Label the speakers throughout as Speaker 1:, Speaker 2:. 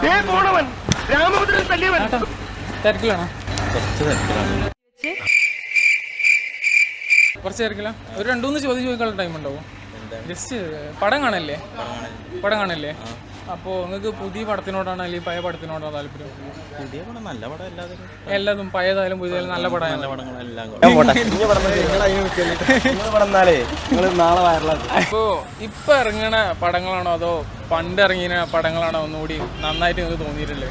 Speaker 1: തിരക്കിലാണോ? കുറച്ച് തിരക്കില്ല. ഒരു 2-3 ചോദ്യം ചോദിക്കാനുള്ള ടൈം ഉണ്ടാവും. ജസ്റ്റ് പടം കാണല്ലേ? അപ്പോൾ നിങ്ങൾക്ക് പുതിയ പടത്തിനോടാണ് അല്ലെങ്കിൽ പഴയ പടത്തിനോടാണ് താല്പര്യം?
Speaker 2: പുതിയ പടം നല്ല പടം
Speaker 1: എല്ലാതും പഴയതായാലും പുതിയതായാലും നല്ല പടമാണ്. അപ്പോൾ ഇപ്പൊ ഇറങ്ങണ പടങ്ങളാണോ അതോ പണ്ട് ഇറങ്ങിയ പടങ്ങളാണോ ഒന്നുകൂടി നന്നായിട്ട് നിങ്ങൾക്ക് തോന്നിയിട്ടില്ലേ?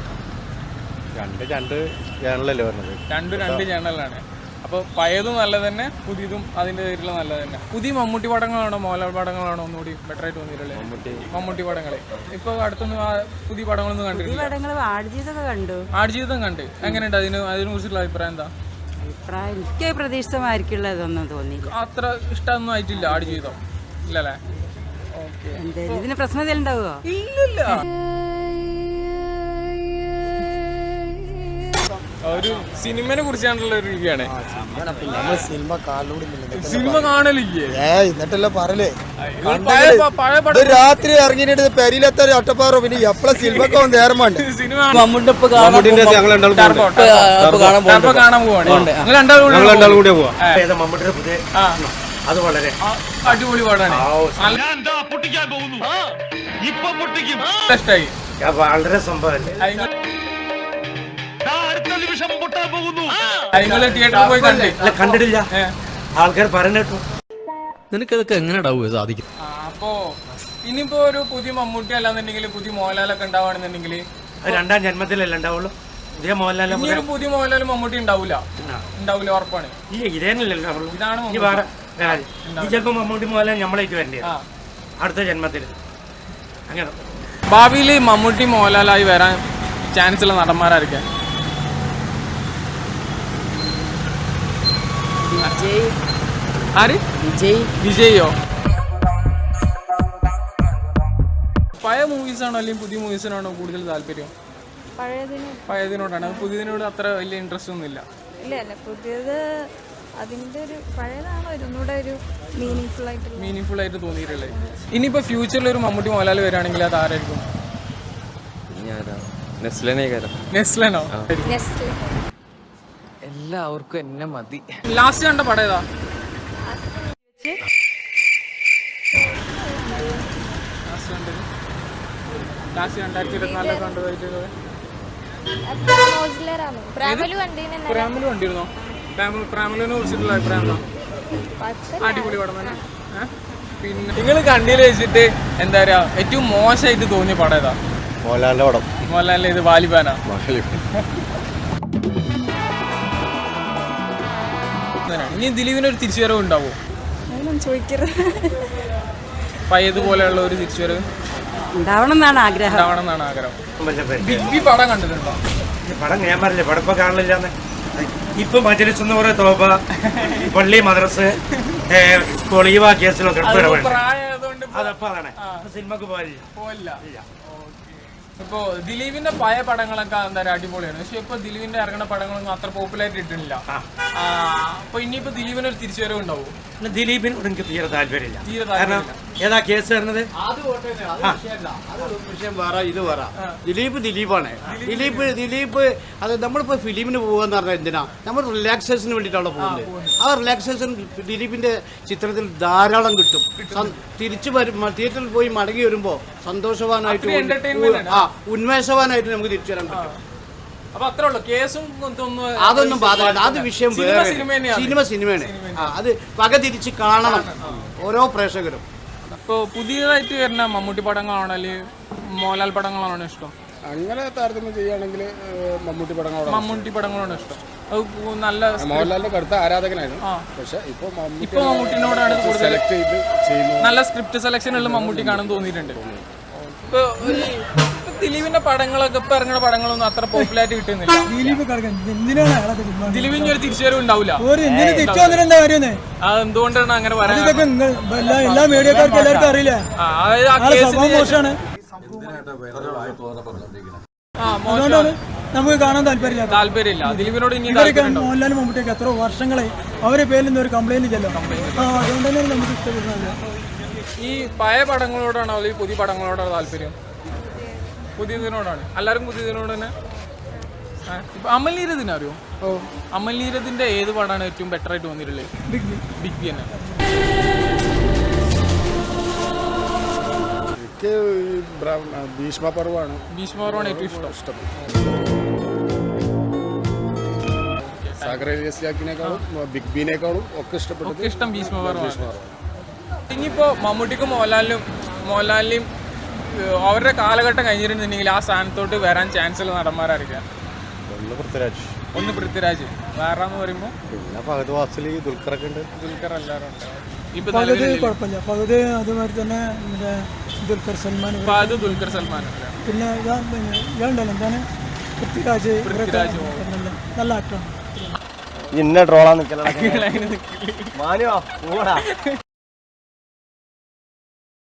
Speaker 1: രണ്ട് ചാനലാണ്. അപ്പോൾ പഴയതും നല്ലത് തന്നെ, പുതിയതും അതിൻ്റെ പേരിൽ നല്ലത് തന്നെ. പുതിയ മമ്മൂട്ടി പടങ്ങളാണോ മോഹൻലാൽ പടങ്ങളാണോ ഒന്നുകൂടി ബെറ്റർ ആയിട്ട് തോന്നിയിട്ടില്ലേ? മമ്മൂട്ടി പടങ്ങളെ ഇപ്പോൾ അടുത്തൊന്നും പുതിയ പടങ്ങളൊന്നും കണ്ടിട്ടില്ല. ആടുജീവിതം കണ്ട് എങ്ങനെയുണ്ട്? അതിനെ കുറിച്ചുള്ള അഭിപ്രായം എന്താ?
Speaker 3: എനിക്ക് പ്രതീക്ഷിതമായിരിക്കുള്ളതൊന്നും തോന്നി.
Speaker 1: അത്ര ഇഷ്ടമൊന്നും ആയിട്ടില്ല ആടുജീവിതം, ഇല്ലല്ലേ? ഓക്കെ.
Speaker 3: ഇതിന് പ്രശ്നം ഉണ്ടാവുമോ?
Speaker 1: ഇല്ലില്ല. ഒരു സിനിമനെ കുറിച്ചാണുള്ള ഒരു റിവ്യൂ ആണ്. സിനിമ കാണലില്ലേ?
Speaker 4: എന്നിട്ടല്ലോ പറയലേ രാത്രി ഇറങ്ങിയിട്ട് പെരിയിലെത്ത ഒറ്റപ്പാറോ പിന്നെ എപ്പോഴും സിനിമക്ക് നേരമുണ്ട്.
Speaker 1: കാണാൻ പോവാണ്.
Speaker 2: അത് വളരെ
Speaker 1: അടിപൊളി പാടാണ്. ഇഷ്ടായി.
Speaker 2: വളരെ സംഭവം
Speaker 1: തിയേറ്ററിൽ പോയി
Speaker 2: കണ്ടിട്ടില്ല. ആൾക്കാർ പറഞ്ഞിട്ടു.
Speaker 4: നിനക്കതൊക്കെ എങ്ങനെ സാധിക്കും?
Speaker 1: അപ്പോ ഇനിയിപ്പോ ഒരു പുതിയ മമ്മൂട്ടി അല്ലാന്നുണ്ടെങ്കിൽ പുതിയ മോഹൻലാലൊക്കെ ഉണ്ടാവുകയാണെന്നുണ്ടെങ്കിൽ
Speaker 2: രണ്ടാം ജന്മത്തിലല്ലേ ഉണ്ടാവുള്ളൂ. പുതിയ മോഹൻലാൽ
Speaker 1: പുതിയ മോഹൻലാലും മമ്മൂട്ടി ഉണ്ടാവില്ല, ഉറപ്പാണ്. ഇതാണ്
Speaker 2: ചിലപ്പോ മമ്മൂട്ടി മോഹൻലാൽ നമ്മളേക്ക് വരണ്ടേ അടുത്ത ജന്മത്തിൽ. അങ്ങനെ
Speaker 1: ഭാവിയിൽ മമ്മൂട്ടി മോഹൻലാലായി വരാൻ ചാൻസ് ഉള്ള നടന്മാരായിരിക്കാം? വിജയോ? പഴയ മൂവീസാണോ അല്ലെങ്കിൽ പുതിയ മൂവീസിനാണോ കൂടുതൽ താല്പര്യം? പഴയതിനോടാണ്. പുതിയതിനോട് അത്ര വലിയ ഇൻട്രസ്റ്റ് ഒന്നും ഇല്ല.
Speaker 5: പുതിയത് അതിന്റെ ഒരു പഴയതാണോ ഒന്നുകൂടെ ഒരു
Speaker 1: മീനിങ്ഫുൾ ആയിട്ട് തോന്നിയിട്ടില്ലേ? ഇനിയിപ്പോ ഫ്യൂച്ചറിൽ ഒരു മമ്മൂട്ടി മോഹൻലാൽ വരികയാണെങ്കിൽ അത് ആരായിരിക്കും? നെസ്ലനോ?
Speaker 6: എല്ലാവർക്കും എന്നെ മതി.
Speaker 1: ലാസ്റ്റ് കണ്ട പടം ഏതാ? ലാസ്റ്റ് 2024 കണ്ടതായിട്ട് പ്രാമലു കണ്ടിരുന്നോ? പ്രാമലിനെ കുറിച്ചിട്ടുള്ള അഭിപ്രായം എന്താ? അടിപൊളി പടം തന്നെ. പിന്നെ നിങ്ങൾ കണ്ടിയിൽ വെച്ചിട്ട് എന്താ പറയാ ഏറ്റവും മോശമായിട്ട് തോന്നിയ പടം ഏതാ?
Speaker 4: മോഹൻലാലിന്റെ പടം.
Speaker 1: മോഹൻലാലിന്റെ ഇത് വാലിബാനാ? ഇനി ദിലീപിന് ഒരു തിരിച്ചുവരവ് ഉണ്ടാവോ? പഴയതുപോലെയുള്ള ഒരു തിരിച്ചുവരവ്
Speaker 3: ഉണ്ടാവണം എന്നാണ് ആഗ്രഹം.
Speaker 1: ബിഗ് ബി പടം കണ്ടിട്ടുണ്ടോ?
Speaker 2: പടം ഞാൻ പറഞ്ഞില്ലേ, പടം ഇപ്പൊ കാണില്ലാന്ന്. ഇപ്പൊ മജലിസ് എന്ന് പറയുന്ന തോപ പള്ളി മദ്രസ് കൊളീവ കേസിലൊക്കെ അതപ്പോ അതാണ്. സിനിമക്ക് പോയില്ല.
Speaker 1: ഇപ്പോ ദിലീപിന്റെ പഴയ പടങ്ങളൊക്കെ എന്താ പറയുക അടിപൊളിയാണ്. പക്ഷെ ഇപ്പൊ ദിലീപിന്റെ ഇറങ്ങുന്ന പടങ്ങളൊന്നും അത്ര പോപ്പുലാരിറ്റി ഇട്ടിട്ടില്ല. അപ്പൊ ഇനിയിപ്പോ ദിലീപിന് ഒരു തിരിച്ചുവരവ് ഉണ്ടാവും?
Speaker 2: ദിലീപിനോട് എനിക്ക് തീരെ താല്പര്യമില്ല. കാരണം ഏതാ കേസ് വരുന്നത്?
Speaker 7: ദിലീപാണ്. ദിലീപ് അത് നമ്മളിപ്പോ ഫിലിമിന് പോകാന്ന് പറഞ്ഞാൽ എന്തിനാ? നമ്മൾ റിലാക്സേഷന് വേണ്ടിയിട്ടാണ് പോകുന്നത്. ആ റിലാക്സേഷൻ ദിലീപിന്റെ ചിത്രത്തിൽ ധാരാളം കിട്ടും. തിരിച്ചു തിയേറ്ററിൽ പോയി മടങ്ങി വരുമ്പോ സന്തോഷവാനായിട്ട് ഉന്മേഷവാനായിട്ട് നമുക്ക് തിരിച്ചു വരാൻ പറ്റും. അതൊന്നും ബാധകമല്ല. അത് വിഷയം വേറെ. സിനിമയാണ്. അത് പക തിരിച്ച് കാണണം ഓരോ പ്രേക്ഷകരും.
Speaker 1: ഇപ്പൊ പുതിയതായിട്ട് വരുന്ന മമ്മൂട്ടി പടങ്ങളാണോ അല്ലെങ്കിൽ മോഹൻലാൽ പടങ്ങളാണോ ഇഷ്ടം?
Speaker 4: അങ്ങനെ താരതമ്യം ചെയ്യുകയാണെങ്കിൽ മമ്മൂട്ടി
Speaker 1: പടങ്ങളാണ് ഇഷ്ടം. നല്ല
Speaker 4: മോഹൻലാലിന്റെ കടുത്ത ആരാധകനായിരുന്നു. പക്ഷെ ഇപ്പൊ
Speaker 1: മമ്മൂട്ടിനോടാണ് കൂടുതൽ നല്ല സ്ക്രിപ്റ്റ് സെലക്ഷൻ ഉള്ള മമ്മൂട്ടിക്കാണെന്ന് തോന്നിയിട്ടുണ്ട്. ഇപ്പൊ ദിലീപിന്റെ പടങ്ങളൊക്കെ ഇപ്പൊ ഇറങ്ങുന്ന പടങ്ങളൊന്നും അത്ര പോപ്പുലാരിറ്റി കിട്ടുന്നില്ല. ദിലീപിന് ഒരു തിരിച്ചുവരവ് ഉണ്ടാവില്ല. അതെന്തുകൊണ്ടാണ് അങ്ങനെ പറയുന്നത്?
Speaker 8: നമുക്ക് കാണാൻ താല്പര്യമില്ല.
Speaker 1: ദിലീപിനോട്
Speaker 8: മോഹൻലാലും മമ്മൂട്ടിയൊക്കെ എത്ര വർഷങ്ങളായി അവരെ പേരിൽ ഒരു കംപ്ലൈന്റ് ചെല്ലോ. അതുകൊണ്ട് തന്നെ നമുക്ക് ഇഷ്ടപ്പെടുന്നില്ല.
Speaker 1: ഈ പഴയ പടങ്ങളോടാണോ അല്ലെങ്കിൽ പുതിയ പടങ്ങളോടാണോ താല്പര്യം? പുതിയതിനോടാണ് എല്ലാവരും പുതിയതിനോട് തന്നെ. ഇപ്പൊ അമൽ നീരദിനെ അറിയോ? അമൽ നീരദിന്റെ ഏത് പടമാണ് ഏറ്റവും ബെറ്റർ ആയിട്ട് തോന്നിയിട്ടുള്ളത്? ബിഗ് ബി തന്നെ.
Speaker 9: എനിക്ക് ഭീഷ്മപർവാണ്
Speaker 1: ഏറ്റവും ഇഷ്ടം.
Speaker 9: സാഗർ ഇലിയാസിനെക്കാളും ബിഗ് ബിനേക്കാളും ഒക്കെ ഇഷ്ടപ്പെട്ടത്
Speaker 1: ഇഷ്ടം ഭീഷ്മപർവാണ്. ഇനിയിപ്പോ മമ്മൂട്ടിക്കും മോഹൻലാലിനെയും അവരുടെ കാലഘട്ടം കഴിഞ്ഞിട്ടുണ്ടെങ്കിൽ ആ സ്ഥാനത്തോട്ട് വരാൻ ചാൻസ് ഉള്ള നടന്മാരായിരിക്കാം. ഒന്ന് പൃഥ്വിരാജ്, വേറെ എന്ന് പറയുമ്പോൾ
Speaker 9: പിന്നെ ഫഹദ് ഫാസിൽ, ദുൽഖറൊക്കെ ഉണ്ട്.
Speaker 1: ദുൽഖർ എല്ലാവരും ഉണ്ട്. ഇപ്പൊ
Speaker 8: കുഴപ്പമില്ല. ഫഹദ് അതുമാതിരി തന്നെ ദുൽഖർ സൽമാൻ,
Speaker 1: ദുൽഖർ സൽമാൻ,
Speaker 8: പിന്നെ ഇയാളുണ്ടല്ലോ എന്താണ് പൃഥ്വിരാജ്, നല്ല ആക്ടറാണ്.
Speaker 4: ഇന്ന ട്രോളാ നിൽക്കല